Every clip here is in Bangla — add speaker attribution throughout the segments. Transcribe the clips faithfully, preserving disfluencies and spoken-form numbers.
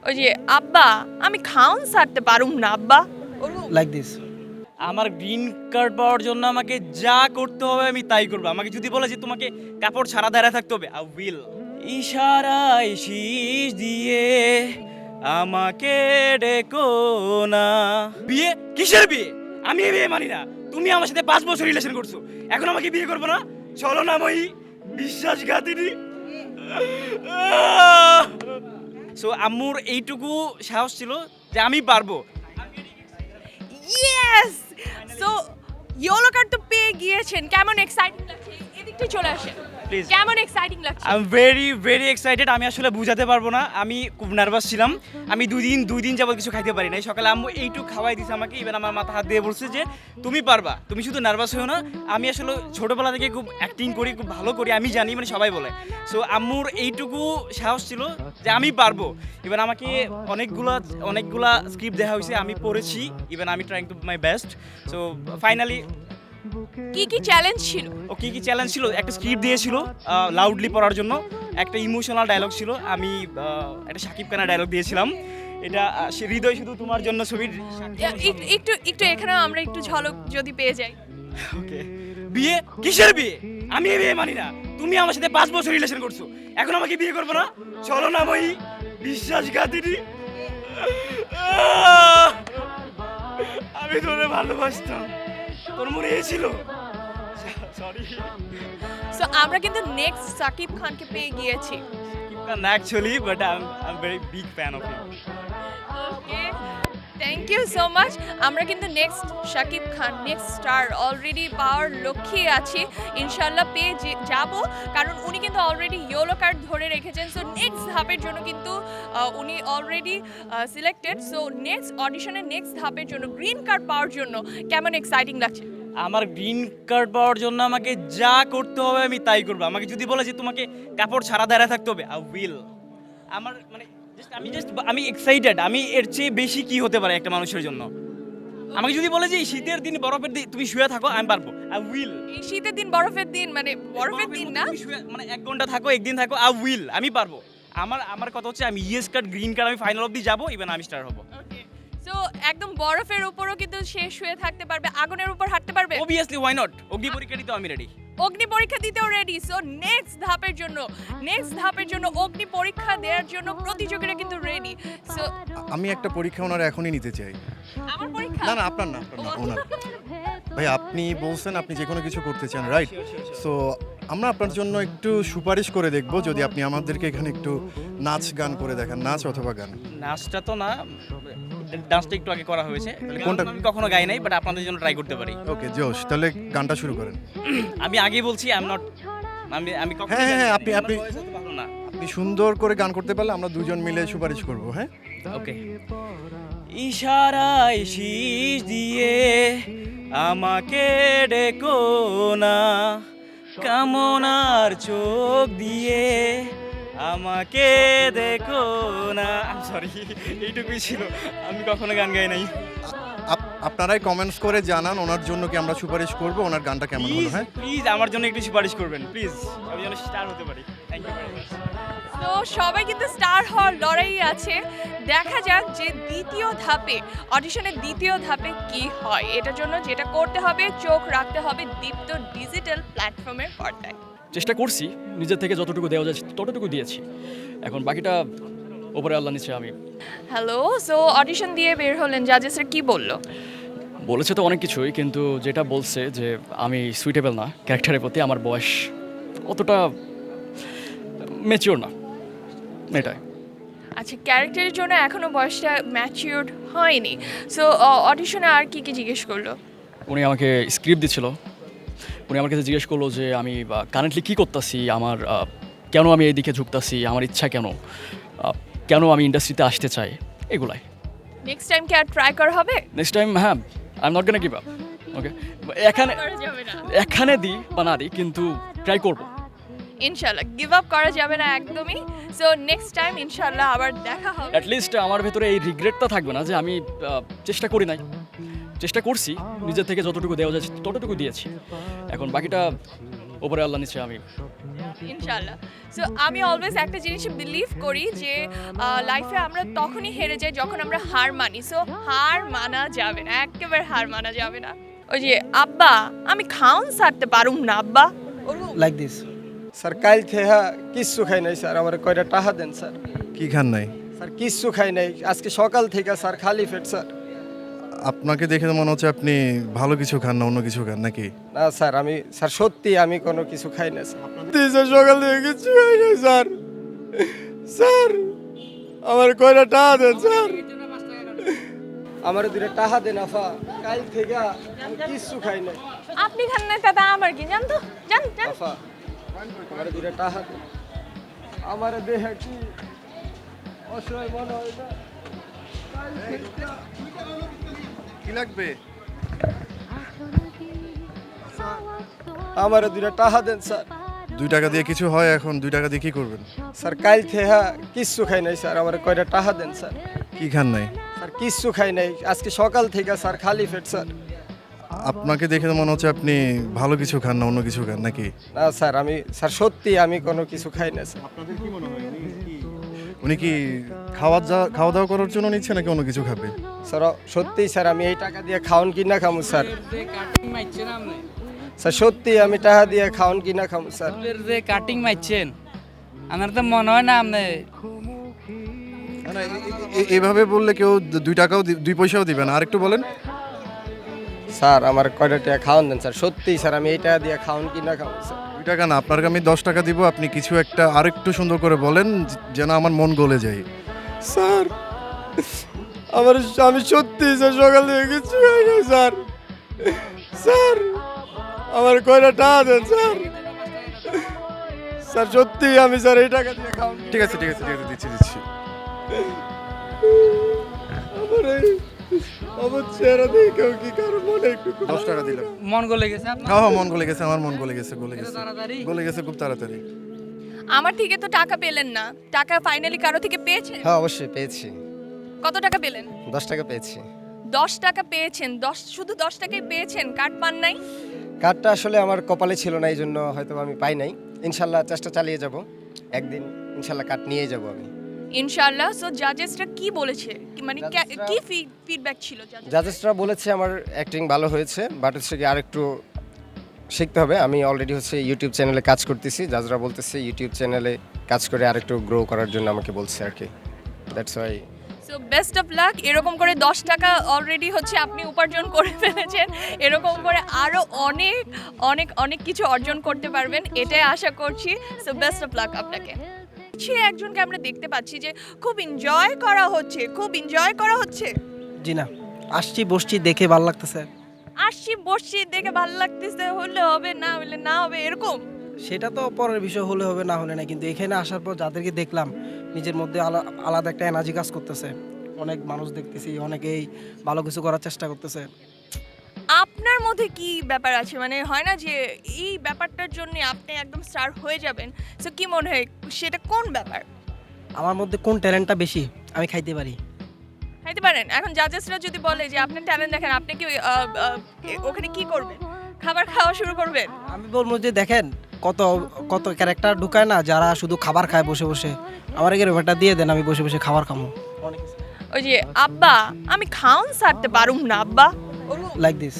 Speaker 1: ওই যে আব্বা আমি খাউন ছাড়তে পারুম না আব্বা
Speaker 2: লাইক দিস।
Speaker 3: আমার গ্রিন কার্ড পাওয়ার জন্য আমাকে যা করতে হবে আমি তাই করবো। আমাকে যদি বলে যে তোমাকে কাপড় ছাড়া দাঁড়ায় থাকতে হবে, আই উইল। ইশারায় শীষ দিয়ে আমাকে ডেকো না। বিয়ে? কিসের বিয়ে? আমি এই বিয়ে মানি না। তুমি আমার সাথে পাঁচ বছর রিলেশন করছো, এখন আমাকে বিয়ে করবো না? চলো না মই বিশ্বাসঘাতিনী। সো আম্মুর এইটুকু সাহস ছিল যে আমি পারবো।
Speaker 1: ইয়েস। সো ইয়েলো কার্ড তো পেয়ে গিয়েছেন, কেমন এক্সাইটিং লাগছে? এদিকটা চলে আসেন
Speaker 3: Please.
Speaker 1: কেমন এক্সাইটিং লাগছে?
Speaker 3: I am very very excited. আমি আসলে বুঝাতে পারবো না, আমি খুব নার্ভাস ছিলাম। আমি দুই দিন দুই দিন যাবত কিছু খাইতে পারি নাই। সকালে আম্মু এইটুকু খাওয়াই দিছে আমাকে, ইভেন আমার মাথা হাত দিয়ে বলছে যে তুমি পারবা, তুমি শুধু নার্ভাস হও না। আমি আসলে ছোটোবেলা থেকে খুব অ্যাক্টিং করি, খুব ভালো করি, আমি জানি, মানে সবাই বলে। সো আম্মুর এইটুকু সাহস ছিল যে আমি পারবো। ইভেন আমাকে অনেকগুলা অনেকগুলা স্ক্রিপ্ট দেখা হয়েছে, আমি পড়েছি, ইভেন আমি trying to my best. So finally
Speaker 1: কি কি চ্যালেঞ্জ ছিল?
Speaker 3: ও কী কী চ্যালেঞ্জ ছিল? একটা স্ক্রিপ্ট দিয়েছিল লাউডলি পড়ার জন্য, একটা ইমোশনাল ডায়লগ ছিল, আমি আহ, একটা শাকিব খানের ডায়লগ দিয়েছিলাম। এটা আহ, সে হৃদয় শুধু তোমার জন্য ছবির।
Speaker 1: এক- একটু একটু এখানে আমরা একটু ঝলক যদি পেয়ে যাই।
Speaker 3: ওকে। বিয়ে? কিসের বিয়ে? আমি এই বিয়ে মানি না। তুমি আমার সাথে পাঁচ বছর রিলেশন করছো, এখন আমাকে বিয়ে করবো না? চলো না মই বিশ্বাসঘাতিনী। আহ! আমি তোরে ভালোবাসতাম, তোর মনে ছিল। সরি।
Speaker 1: সো আমরা কিন্তু নেক্সট সাকিব খানকে পেয়ে গিয়েছি।
Speaker 3: না actually, but I am very big fan of him.
Speaker 1: Okay, thank you so much. আমরা কিন্তু next Shakib Khan, next star already পাওয়ার লক্ষ্যে আছি। ইনশাল্লাহ পেয়ে যে- যাব, কারণ উনি কিন্তু অলরেডি ইয়েলো কার্ড ধরে রেখেছেন। সো নেক্সট ধাপের জন্য কিন্তু আহ, উনি অলরেডি সিলেক্টেড। সো নেক্সট অডিশনের নেক্সট ধাপের জন্য গ্রিন কার্ড পাওয়ার জন্য কেমন এক্সাইটিং লাগছে?
Speaker 3: আমার গ্রিন কার্ড পাওয়ার জন্য আমাকে যা করতে হবে আমি তাই করবো। আমাকে যদি বলে যে তোমাকে কাপড় ছাড়া দাঁড়ায় থাকতে হবে, আই উইল। আমার মানে just আমি জাস্ট আমি এক্সাইটেড। আমি এর চেয়ে বেশি কি হতে পারে একটা মানুষের জন্য? আমাকে যদি বলে যে এই শীতের দিন বরফের দিন তুমি শুয়ে থাকো, আমি পারবো, আই উইল।
Speaker 1: এই শীতের দিন বরফের দিন, মানে বরফের দিন না,
Speaker 3: মানে এক ঘন্টা থাকো, একদিন থাকো, আই উইল, আমি পারবো। আমার আমার কথা হচ্ছে আমি ইয়েস কার্ড গ্রিন কার্ড আমি ফাইনাল অবধি যাবো, ইভেন আমি স্টার হবো।
Speaker 1: সো একদম বরফের উপরও কিন্তু শেষ হয়ে থাকতে পারবে, আগুনের উপর হাঁটতে পারবে।
Speaker 3: Obviously, why not? অগ্নি পরীক্ষা দিতেও আমি রেডি।
Speaker 1: অগ্নি পরীক্ষা দিতেও রেডি। সো নেক্সট ধাপের জন্য নেক্সট ধাপের জন্য অগ্নি পরীক্ষা দেওয়ার জন্য প্রতিযোগীরা কিন্তু রেডি। সো
Speaker 4: আমি একটা পরীক্ষা ওনার এখনই নিতে চাই।
Speaker 1: আমার পরীক্ষা
Speaker 4: না না আপনার না আপনার না ওনার। ভাই আপনি বলছেন আপনি যে কোনো কিছু করতে চান, রাইট? সো আমরা আপনার জন্য একটু সুপারিশ করে দেখব যদি আপনি আমাদেরকে এখানে একটু নাচ গান করে দেখান, নাচ অথবা গান।
Speaker 3: নাচটা তো না, ডান্সটা একটু আগে করা হয়েছে।
Speaker 4: কোনটা?
Speaker 3: আমি কখনো গাই নাই, বাট আপনাদের জন্য ট্রাই করতে পারি।
Speaker 4: ওকে জোশ, তাহলে গানটা শুরু করেন।
Speaker 3: আমি আগেই বলছি আই এম নট, আমি আমি কখনো
Speaker 4: হ্যাঁ, হ্যাঁ,
Speaker 3: গাই নাই।
Speaker 4: আপনি-
Speaker 3: আমার
Speaker 4: আপনি-
Speaker 3: voice অত ভালো না।
Speaker 4: আপনি সুন্দর করে গান করতে পারলে আমরা দুজন মিলে সুপারিশ করব, হ্যাঁ?
Speaker 3: ওকে। ইশারায় শীষ দিয়ে আমাকে ডেকো না, কামনার চোখ দিয়ে আমাকে দেখো না। সরি, এইটুকুই ছিল। আমি কখনো গান গাই নাই।
Speaker 4: আপ- আপনারাই কমেন্টস করে জানান ওনার জন্য কি আমরা সুপারিশ করব, ওনার গানটা কেমন হলো,
Speaker 3: প্লিজ
Speaker 4: হ্যাঁ?
Speaker 3: প্লিজ আমার জন্য একটু সুপারিশ করবেন, প্লিজ। আমি যেন স্টার হতে পারি। Thank you very much.
Speaker 1: তো সবাই কিন্তু স্টার হওয়ার লড়াই আছে। দেখা যাক যে দ্বিতীয় ধাপে, অডিশনের দ্বিতীয় ধাপে কি হয়। এটার জন্য যেটা করতে হবে, চোখ রাখতে হবে দীপ্ত ডিজিটাল প্ল্যাটফর্মের পর্দায়।
Speaker 5: চেষ্টা করছি নিজের থেকে যতটুকু দেওয়া যায় ততটুকু দিয়েছি, এখন বাকিটা ওপরে আল্লাহ নিচে আমি।
Speaker 1: হ্যালো, সো অডিশন দিয়ে বের হলেন, জাজেসরা কি বললো?
Speaker 5: বলেছে তো অনেক কিছুই, কিন্তু যেটা বলছে যে আমি সুইটেবল না ক্যারেক্টারের প্রতি, আমার বয়স অতটা ম্যাচিওর না, এটাই।
Speaker 1: আচ্ছা, ক্যারেক্টারের জন্য এখনো বয়সটা ম্যাচিউরড হয়নি। সো অডিশনে আর কি কি জিজ্ঞেস করলো?
Speaker 5: উনি আমাকে স্ক্রিপ্ট দিছিল, উনি আমার কাছে জিজ্ঞেস করলো যে আমি কারেন্টলি কী করতেছি, আমার আহ, কেন আমি এইদিকে ঝুঁকতাছি, আমার ইচ্ছা কেন, আহ, কেন আমি ইন্ডাস্ট্রিতে আসতে চাই, এগুলাই।
Speaker 1: নেক্সট টাইম কি আর ট্রাই করা হবে?
Speaker 5: নেক্সট টাইম হ্যাঁ, I am not gonna give up. Okay, এখানে
Speaker 1: করা যাবে না,
Speaker 5: এখানে দিই বা না দিই, কিন্তু ট্রাই করবো।
Speaker 1: ইনশাল্লাহ গিভ আপ করা যাবে না একদমই। সো নেক্সট টাইম ইনশাল্লাহ আবার দেখা হবে।
Speaker 5: অ্যাটলিস্ট আমার ভেতরে এই রিগ্রেটটা থাকবে না যে আমি আহ, চেষ্টা করি নাই, চেষ্টা করছি নিজের থেকে যতটুকু দেওয়া যায় ততটুকু দিয়েছি, এখন বাকিটা ওপরে আল্লাহ নিচে আমি।
Speaker 1: ইনশাল্লাহ। সো আমি অলওয়েজ একটা জিনিস বিলিভ করি যে লাইফে আমরা তখনই হেরে যাই যখন আমরা হার মানি। সো হার মানা যাবে না, একেবারে হার মানা যাবে না। ওই যে আব্বা আমি খাউন সারতে পারুম না আব্বা,
Speaker 2: লাইক দিস।
Speaker 6: স্যার কাল থেকে কিচ্ছু খাই নাই স্যার, আমার কয়টা টাকা দেন স্যার।
Speaker 4: কি খান নাই?
Speaker 6: স্যার কিচ্ছু খাই নাই আজকে সকাল থেকে স্যার, খালি পেট স্যার।
Speaker 4: আপনাকে দেখে তো মনে হচ্ছে আপনি ভালো কিছু খান না অন্য কিছু খান নাকি?
Speaker 6: না স্যার আমি স্যার সত্যি আমি কোনো কিছু খাই না স্যার। স্যার সকাল থেকে কিচ্ছু খাই নাই স্যার। স্যার আমার কয়টা টাকা দেন স্যার, আমার দুটো টাকা দেন আফা, কাল থেকে আমি কিচ্ছু খাই নাই।
Speaker 1: আপনি খান না দাদা আমার কি জান তো, জান জান।
Speaker 6: আফা আমার দুটো টাকা দেন, আমার দেহে কি অসহায় মনে হয় না। কাল থেকে
Speaker 4: কি লাগবে?
Speaker 6: আমার দুটো টাকা দেন স্যার।
Speaker 4: দুই টাকা দিয়ে কিছু হয় এখন? দুই টাকা দিয়ে কি করবেন?
Speaker 6: স্যার কাল থেকে কিচ্ছু খাই নাই স্যার, আমার কয়টা টাকা দেন স্যার।
Speaker 4: কি খান নাই?
Speaker 6: স্যার কিচ্ছু খাই নাই আজকে সকাল থেকে স্যার, খালি পেট স্যার।
Speaker 4: আপনাকে দেখে তো মনে হচ্ছে আপনি ভালো কিছু খান না অন্য কিছু খান নাকি?
Speaker 6: না স্যার আমি স্যার সত্যি আমি কোনো কিছু খাই না স্যার।
Speaker 4: উনি কি খাওয়া যা- খাওয়া দাওয়া করার জন্য নিচ্ছে নাকি অন্য কিছু খাবে?
Speaker 6: স্যার সত্যি স্যার আমি এই টাকা দিয়ে খাওয়ান কিনা খামু স্যার। স্যার সত্যি আমি টাকা দিয়ে খাওয়ান কিনা খামু স্যার।
Speaker 2: চুলের যে কাটিং মারছেন আমার তো মনে হয় না আপনি।
Speaker 4: না, না, এ- এ- এ- এভাবে বললে কেউ দু- দুই টাকাও দি- দুই পয়সাও দিবে না। আর একটু বলেন।
Speaker 6: স্যার আমার কয়টা টাকা খাওয়ান দেন স্যার, সত্যি স্যার আমি এই টাকা দিয়ে খাওয়ান কিনা খামু স্যার।
Speaker 4: দুই টাকা না, আপনাকে আমি দশ টাকা দিব। আপনি কিছু একটা আর একটু সুন্দর করে বলেন যে- যেন আমার মন গলে যায়।
Speaker 6: স্যার আমার আমি সত্যি স্যার সকাল থেকে কিছু খাই নাই স্যার। স্যার আমার কয়টা টাকা দেন স্যার। স্যার সত্যি আমি স্যার এই টাকা দিয়ে খাওয়ান।
Speaker 4: ঠিক আছে ঠিক আছে ঠিক আছে দিচ্ছি দিচ্ছি।
Speaker 6: আমার এই আমার চেহারা দেখে কেউ কি কারো মনে একটু
Speaker 4: দশ টাকা দিলাম।
Speaker 2: মন গলে গেছে আপনার?
Speaker 4: হ্যাঁ হ্যাঁ মন গলে গেছে, আমার মন গলে গেছে, গলে গেছে,
Speaker 2: তাড়াতাড়ি?
Speaker 4: গলে গেছে খুব তাড়াতাড়ি।
Speaker 1: আমার থেকে তো টাকা পেলেন না, টাকা ফাইনালি কারো থেকে পেয়েছেন?
Speaker 6: হ্যাঁ অবশ্যই পেয়েছি,
Speaker 1: কত টাকা পেলেন?
Speaker 6: দশ টাকা পেয়েছি।
Speaker 1: দশ টাকা পেয়েছেন, দশ শুধু দশ টাকাই পেয়েছেন, কার্ড পান নাই?
Speaker 6: কার্ডটা আসলে আমার কপালে ছিল না, এই জন্য হয়তো আমি পাই নাই। ইনশাল্লাহ চেষ্টা চালিয়ে যাব, একদিন ইনশাল্লাহ কার্ড নিয়ে যাব আমি।
Speaker 1: ইনশাআল্লাহ। সো জাজেসরা কি বলেছে, কি মানে কে-
Speaker 6: জাজেসরা-
Speaker 1: কি ফিডব্যাক ছিল জাজেস?
Speaker 6: জাজেসরা বলেছে আমার অ্যাক্টিং ভালো হয়েছে, বাট হচ্ছে কি আরেকটু শিখতে হবে। আমি অলরেডি হচ্ছে ইউটিউব চ্যানেলে কাজ করতেছি, জাজরা বলতেছে ইউটিউব চ্যানেলে কাজ করে আরেকটু গ্রো করার জন্য আমাকে বলছে আর কি। That's why.
Speaker 1: So best of luck. এরকম করে দশ টাকা অলরেডি হচ্ছে আপনি উপার্জন করে ফেলেছেন, এরকম করে আরও অনেক অনেক অনেক কিছু অর্জন করতে পারবেন, এটাই আশা করছি। সো বেস্ট অফ লাক আপনাকে। সে একজনকে আমরা দেখতে পাচ্ছি যে খুব এনজয় করা হচ্ছে, খুব এনজয় করা হচ্ছে।
Speaker 2: জি না, আসছি বসছি দেখে ভালো লাগতেছে।
Speaker 1: আসছি বসছি দেখে ভালো লাগতেছে, হলে হবে না হলে না হবে এরকম।
Speaker 2: সেটা তো পরের বিষয়, হলে হবে না হলে না, কিন্তু এখানে আসার পর যাদেরকে দেখলাম নিজের মধ্যে আলা- আলাদা একটা এনার্জি কাজ করতেছে। অনেক মানুষ দেখতেছি, অনেকেই ভালো কিছু করার চেষ্টা করতেছে।
Speaker 1: আপনার মধ্যে কি ব্যাপার আছে, মানে হয় না যে এই ব্যাপারটার জন্য আপনি একদম স্টার হয়ে যাবেন? সো কি মনে হয় সেটা কোন ব্যাপার?
Speaker 2: আমার মধ্যে কোন ট্যালেন্টটা বেশি আমি খাইতে পারি।
Speaker 1: খাইতে পারেন? এখন জাজেসরা যদি বলে যে আপনার ট্যালেন্ট দেখেন, আপনি কি আহ, আহ, ওখানে কি করবেন? খাবার খাওয়া শুরু করবেন?
Speaker 2: আমি বলবো যে দেখেন কত কত ক্যারেক্টার ঢুকায় না, যারা শুধু খাবার খায় বসে বসে। আমার এখানে ব্যাপারটা দিয়ে দেন, আমি বসে বসে খাবার খামো।
Speaker 1: ওই যে আব্বা আমি খাউন সারতে পারুম না আব্বা,
Speaker 2: লাইক দিস।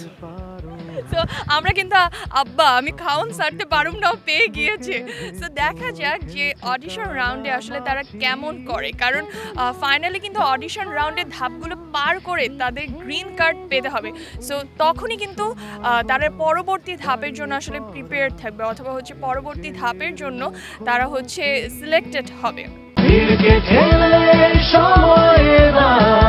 Speaker 1: তো আমরা কিন্তু আব্বা আমি খাউন সারতে পারুম নাও পেয়ে গিয়েছে। তো দেখা যাক যে অডিশন রাউন্ডে আসলে তারা কেমন করে, কারণ ফাইনালি কিন্তু অডিশন রাউন্ডের ধাপগুলো পার করে তাদের গ্রিন কার্ড পেতে হবে। সো তখনই কিন্তু আহ, তারা পরবর্তী ধাপের জন্য আসলে প্রিপেয়ার থাকবে, অথবা হচ্ছে পরবর্তী ধাপের জন্য তারা হচ্ছে সিলেক্টেড হবে।
Speaker 7: ঠেলে সময় না